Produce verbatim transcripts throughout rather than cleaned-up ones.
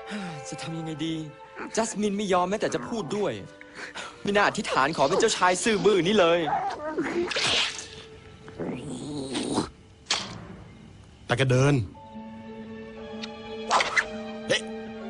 จะทำยังไงดีจัสมินไม่ยอมแม้แต่จะพูดด้วยไม่น่าอธิษฐานขอเป็นเจ้าชายซื่อบื้อนี่เลยแต่ก็เดินเฮ้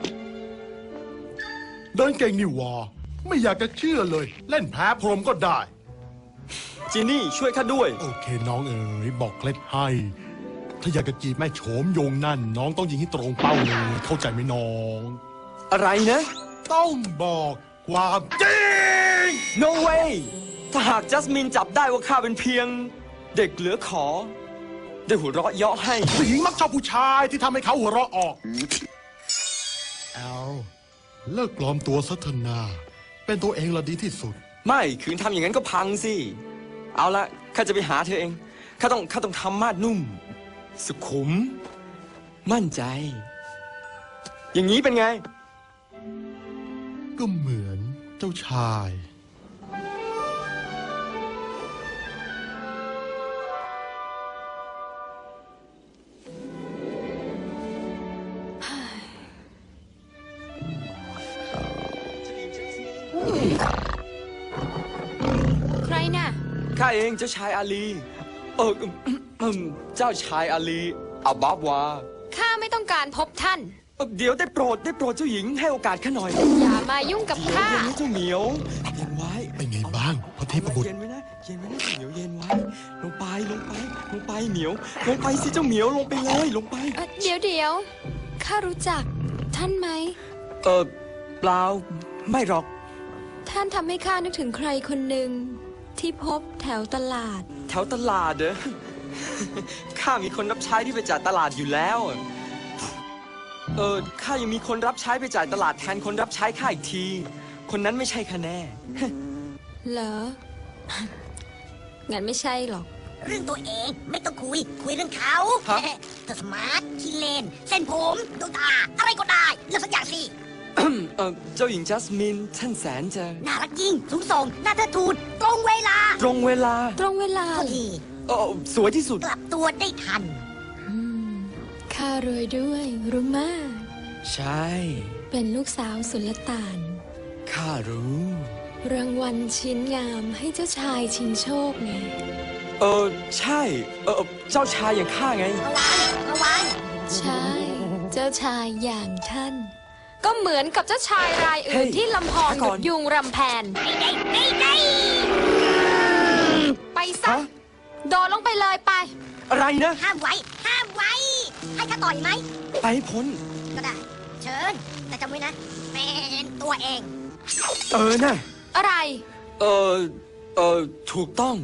เดินเก่งนี่วะไม่อยากจะเชื่อเลยเล่นแพ้พรหมก็ได้จีนี่ช่วยข้าด้วยโอเคน้องเอ๋ยบอกเคล็ดให้ถ้าอยากจะจีบแม่โฉมโยงนั่นน้องต้องยิงให้ตรงเป้าเลยเข้าใจไหมน้องอะไรนะต้องบอกความจริง no way ถ้าหากจัสมินจับได้ว่าข้าเป็นเพียงเด็กเหลือขอได้หัวเราะเยาะให้ผู้หญิงมักชอบผู้ชายที่ทำให้เขาหัวเราะออกเอาเลิกปลอมตัวซะเถอะนาเป็นตัวเองละดีที่สุดไม่คืนทำอย่างนั้นก็พังสิเอาละข้าจะไปหาเธอเองข้าต้องข้าต้องทำมาดนุ่มสุขุมมั่นใจอย่างนี้เป็นไงก็เหมือนเจ้าชายใครน่ะข้าเองเจ้าชายอาลีเออเจ้าชายอาลีอับบาบวาข้าไม่ต้องการพบท่านเดี๋ยวได้โปรดได้โปรดเจ้าหญิงให้โอกาสข้าหน่อยอย่ามายุ่งกับข้าเย็นไว้เจ้าเหมียวเย็นไว้เป็นไงบ้างพระเทพบุตรเย็นไว้นะเย็นไว้นะเหมียวเย็นไว้ลงไปลงไปลงไปเหมียวลงไปสิเจ้าเหมียวลงไปเลยลงไปเดี๋ยวเดี๋ยวข้ารู้จักท่านไหมเออเปล่าไม่หรอกท่านทำให้ข้านึกถึงใครคนหนึ่งที่พบแถวตลาดแถวตลาดเหรอข้ามีคนรับใช้ที่ไปจ่ายตลาดอยู่แล้วเออข้ายังมีคนรับใช้ไปจ่ายตลาดแทนคนรับใช้ข้าอีกทีคนนั้นไม่ใช่ข้าแน่เหรองั้นไม่ใช่หรอกเรื่องตัวเองไม่ต้องคุยคุยเรื่องเขาเธอสมาร์ทขี้เล่นเส้นผมดวงตาอะไรก็ได้เลือกสักอย่างสิเออเจ้าหญิงจัสมินท่านแสนจะน่ารักยิ่งสูงส่งน่าเทิดทูนตรงเวลาตรงเวลาตรงเวลาพอดีเออสวยที่สุดกลับตัวได้ทันข้ารวยด้วยรู้มากใช่เป็นลูกสาวสุลต่านข้ารู้รางวัลชิ้นงามให้เจ้าชายชิงโชคไงเออใช่เออเจ้าชายอย่างข้าไงระวังระวังใช่เจ้าชายอย่างท่านก็เหมือนกับเจ้าชายรายอื่นที่ลำพองหยุดยุงรำแพนไม่ได้ไม่ได้ไปซะโดดลงไปเลยไปอะไรนะห้ามไว้ห้ามไว้ให้ข้าต่อยไหมไปพ้นก็ได้เชิญแต่จำไว้นะเป็นตัวเองเออน่ะอะไรเออเออถูกต้อง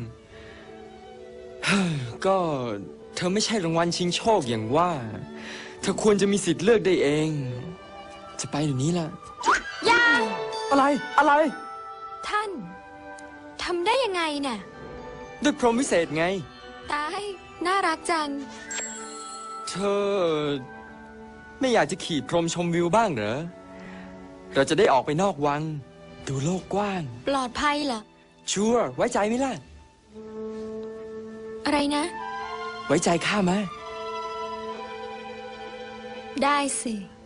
ก็เธอไม่ใช่รางวัลชิงโชคอย่างว่าเธอควรจะมีสิทธิ์เลือกได้เองจะไปเดี๋ยวนี้ล่ะอย่าอะไรอะไรท่านทำได้ยังไงน่ะด้วยพรหมวิเศษไงตายน่ารักจังเธอไม่อยากจะขี่พรหมชมวิวบ้างเหรอเราจะได้ออกไปนอกวังดูโลกกว้างปลอดภัยเหรอชัวร์ไว้ใจไหมล่ะอะไรนะไว้ใจข้าไหมได้สิ